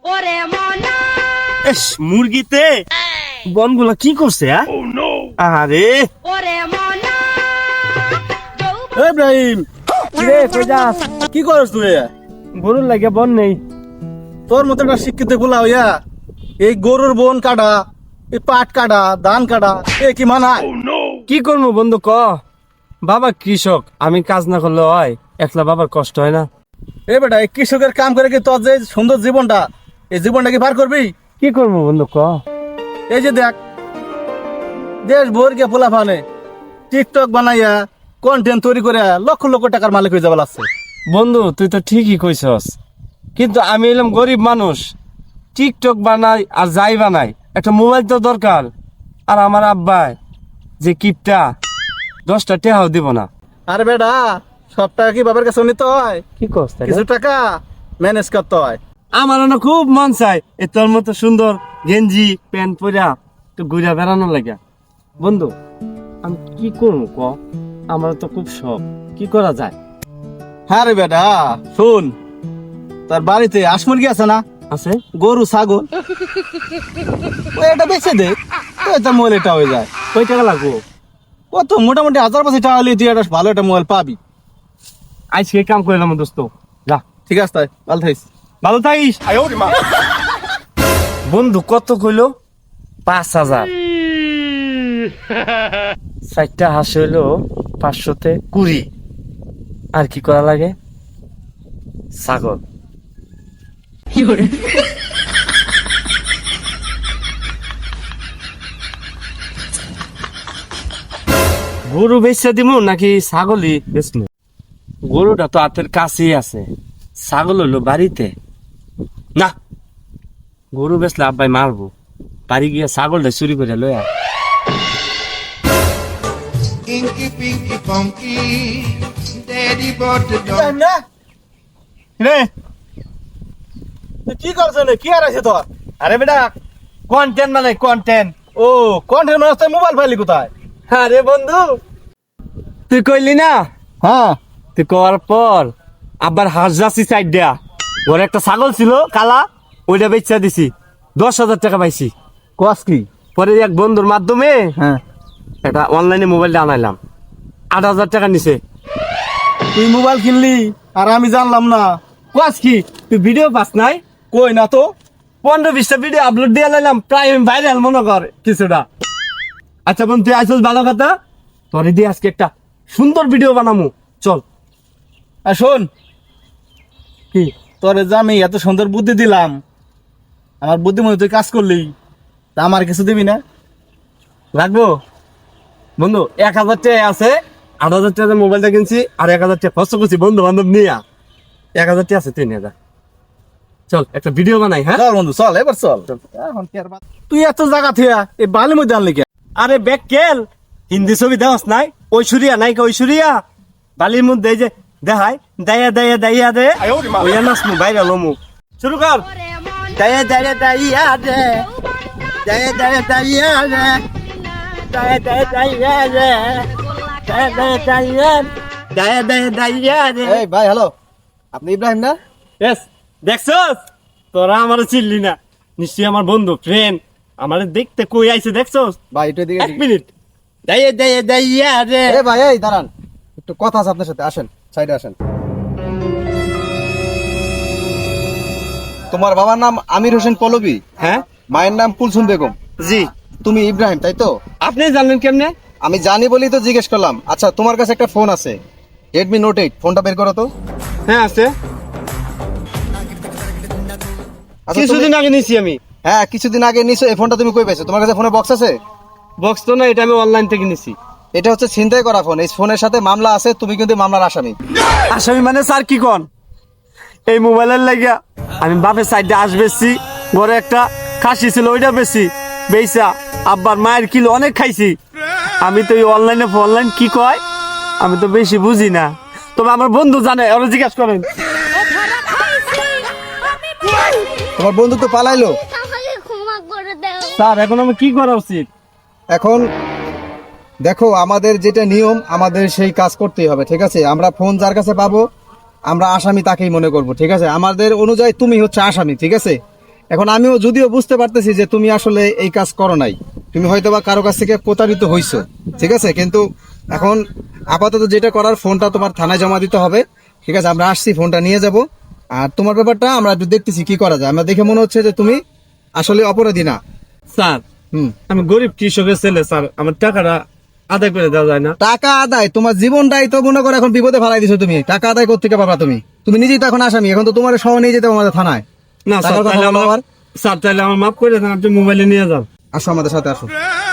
S মুরগিতে বনগুলা কি করছে? আরে ইব্রাহিম রে কই যাস? কি করছ তুই? গরুর লাগে বন নেই। তোর মতো একটা শিক্ষিত গুলা হইয়া এই গরুর বন কাটা, এই পাট কাটা, ধান কাটা, এ কি মানায়? কি করবো বন্ধু ক? বাবা কৃষক, আমি কাজ না করলে হয়? একলা বাবার কষ্ট হয় না? এ বেটা এই কৃষকের কাম করে কি তোর যে সুন্দর জীবনটা, এই জীবনটা কি পার করবি? কি করবো বন্ধু ক? এই যে দেখ, দেশ ভর গিয়ে পোলা ফানে টিকটক বানাইয়া কন্টেন্ট তৈরি করে লক্ষ লক্ষ টাকার মালিক হয়ে যাবে লাগছে। বন্ধু তুই তো ঠিকই কইছস, কিন্তু আমি এলাম গরিব মানুষ। টিকটক বানাই আর যাই বানাই, একটা মোবাইল তো দরকার। আর আমার আব্বাই যে কিপটা, 10টা টেহাও দিব না। আরে বেটা সব টাকা কি বাবার কাছে নিতে হয়? কি করছ? কিছু টাকা ম্যানেজ করতে হয়। আমার না খুব মন চাই এ তোর মতো সুন্দর গেঞ্জি প্যান্ট পরা একটু ঘুরে বেড়ানো লাগে। বন্ধু আমি কি করবো ক? আমার তো খুব শখ, কি করা যায়? হ্যাঁ রে বেটা শুন, তার বাড়িতে হাঁস মুরগি আছে না? আছে? গরু ছাগল, ওই এটা বেচে দে, তো এটা মোবাইল এটা হয়ে যায়। কয় টাকা লাগবো? ও তো মোটামুটি 1000-2000 টাকা হলে তুই একটা ভালো একটা মোবাইল পাবি। আজকে কাম করলাম দোস্ত, যা। ঠিক আছে তাই, ভালো থাকিস। ভালো থাকিস। বন্ধু কত কইলো? 5000। 4টা হাঁস হইলো 500-তে 20। আর কি করা লাগে? ছাগল। গরু বেচা দিমু নাকি ছাগলই বেচমু? গরুটা তো হাতের কাছেই আছে, ছাগল হইলো বাড়িতে। না, গরু বেচলে আব্বাই মারবো। বাড়ি গিয়ে ছাগলটা চুরি করে লয়া। Inky Pinky Funky, Daddy bought the dog. রে তুই কি করছ? কি আর আছে তোর? আরে বেটা কন্টেন্ট মানে কন্টেন্ট। ও কন্টেন্ট মানুষ, মোবাইল পাইলি কোথায়? আরে বন্ধু তুই কইলি না, হ্যাঁ তুই কওয়ার পর আবার হাঁস যাচ্ছি সাইড দেয়া। ওর একটা ছাগল ছিল কালা, ওইটা বেচা দিছি, 10,000 টাকা পাইছি। কস কি? পরে এক বন্ধুর মাধ্যমে হ্যাঁ একটা অনলাইনে মোবাইলটা আনাইলাম, 8,000 টাকা নিছে। তুই মোবাইল কিনলি আর আমি জানলাম না? কোয়াস কি তুই ভিডিও পাস নাই? কই না তো। 15-20টা ভিডিও আপলোড দিয়ে লাইলাম, প্রায় ভাইরাল মনে কর কিছুটা। আচ্ছা বন্ধু তুই আসল ভালো কথা, তোরে দিয়ে আজকে একটা সুন্দর ভিডিও বানামু, চল। আর শোন, কি? তোরে যে আমি এত সুন্দর বুদ্ধি দিলাম, আমার বুদ্ধি মতো তুই কাজ করলি, তা আমার কিছু দিবি না? রাখবো বন্ধু, 1,000 টাকা আছে, 8,000 টাকা মোবাইলটা কিনছি, আর 1,000 টাকা খরচ করছি বন্ধু বান্ধব নিয়ে। 1,000 টাকা আছে, 3,000। চল একটা ভিডিও বানাই। হ্যাঁ চল বন্ধু চল, এবার চল। এখন কি আর তুই এত জায়গা থিয়া এই বালির মধ্যে আনলি কে? আরে বেকেল হিন্দি ছবি দেওয়াস নাই? ঐশ্বরিয়া নায়িকা ঐশ্বরিয়া বালির মধ্যে এই যে দেখায় দাইয়া দাইয়া দাইয়া দে, ওই নাচমু ভাইরাল হমু। শুরু কর। দাইয়া দাইয়া দাইয়া দে, দাইয়া দাইয়া দাইয়া দে, দাইয়া দাইয়া দাইয়া দে, দাইয়া দাইয়া দাইয়া, দাইয়া দাইয়া দাইয়া দে। এই ভাই হ্যালো, আপনি ইব্রাহিম না? এস দেখছস, তোরা আমার চিনলি না, নিশ্চয়ই আমার বন্ধু ফ্রেন্ড। আমার দেখতে কই আইছে দেখছস? ভাই একটু এদিকে 1 মিনিট। দাইয়া দাইয়া দাইয়া দে। এ ভাই এই দাঁড়ান, একটু কথা আছে আপনার সাথে, আসেন সাইডে আসেন। তোমার বাবার নাম আমির হোসেন পল্লবী, হ্যাঁ মায়ের নাম কুলসুম বেগম, জি। তুমি ইব্রাহিম তাই তো? আপনি জানলেন কেমনে? আমি জানি বলেই তো জিজ্ঞেস করলাম। আচ্ছা তোমার কাছে একটা ফোন আছে, রেডমি নোট 8, ফোনটা বের করো তো। হ্যাঁ আছে, আচ্ছা, কিছুদিন আগে নিছি আমি। হ্যাঁ কিছুদিন আগে নিছো, এই ফোনটা তুমি কই পেয়েছো? তোমার কাছে ফোনে বক্স আছে? বক্স তো না, এটা আমি অনলাইন থেকে নিছি। এটা হচ্ছে ছিনতাই করা ফোন, এই ফোনের সাথে মামলা আছে, তুমি কিন্তু মামলার আসামি। আসামি মানে স্যার কি কোন? এই মোবাইলের লাগিয়া আমি বাপের সাইডে আস বেশি, ঘরে একটা খাসি ছিল ওইটা বেশি বেচা আব্বার মায়ের কিলো অনেক খাইছি। আমি তো এই অনলাইন কি কয় আমি তো বেশি বুঝি না, তবে আমার বন্ধু জানে, ওরা জিজ্ঞাসা করেন। তোমার বন্ধু তো পালাইলো। আমাকে ক্ষমা করে দাও। স্যার এখন আমি কি করা উচিত? এখন দেখো আমাদের যেটা নিয়ম, আমাদের সেই কাজ করতেই হবে, ঠিক আছে? আমরা ফোন যার কাছে পাবো আমরা আসামি তাকেই মনে করব, ঠিক আছে? আমাদের অনুযায়ী তুমি হচ্ছে আসামি, ঠিক আছে? এখন আমিও যদিও বুঝতে পারতেছি যে তুমি আসলে এই কাজ করো নাই, তুমি হয়তো বা কারো কাছ থেকে প্রতারিত হইছো, ঠিক আছে, কিন্তু এখন আপাতত যেটা করার, ফোনটা তোমার থানায় জমা দিতে হবে, ঠিক আছে, আমরা আসছি, ফোনটা নিয়ে যাব। আর তোমার ব্যাপারটা আমরা একটু দেখতেছি কি করা যায়। আমরা দেখে মনে হচ্ছে যে তুমি আসলে অপরাধী না। স্যার হুম, আমি গরিব কৃষকের ছেলে স্যার, আমার টাকাটা আদায় করে দেওয়া যায় না? টাকা আদায়, তোমার জীবনটাই তো মনে করো এখন বিপদে ফেলাই দিছো তুমি, টাকা আদায় করতে পারবা তুমি? তুমি নিজেই তো এখন আসামি, এখন তো তোমার সহ নিয়ে যেতে হবে আমাদের থানায়। না স্যার, টাকার কথা তাহলে বলো আমার আবার। স্যার তাহলে আমার মাফ করে দেন, আপনি মোবাইলে নিয়ে যান। আসো আমাদের সাথে আসো।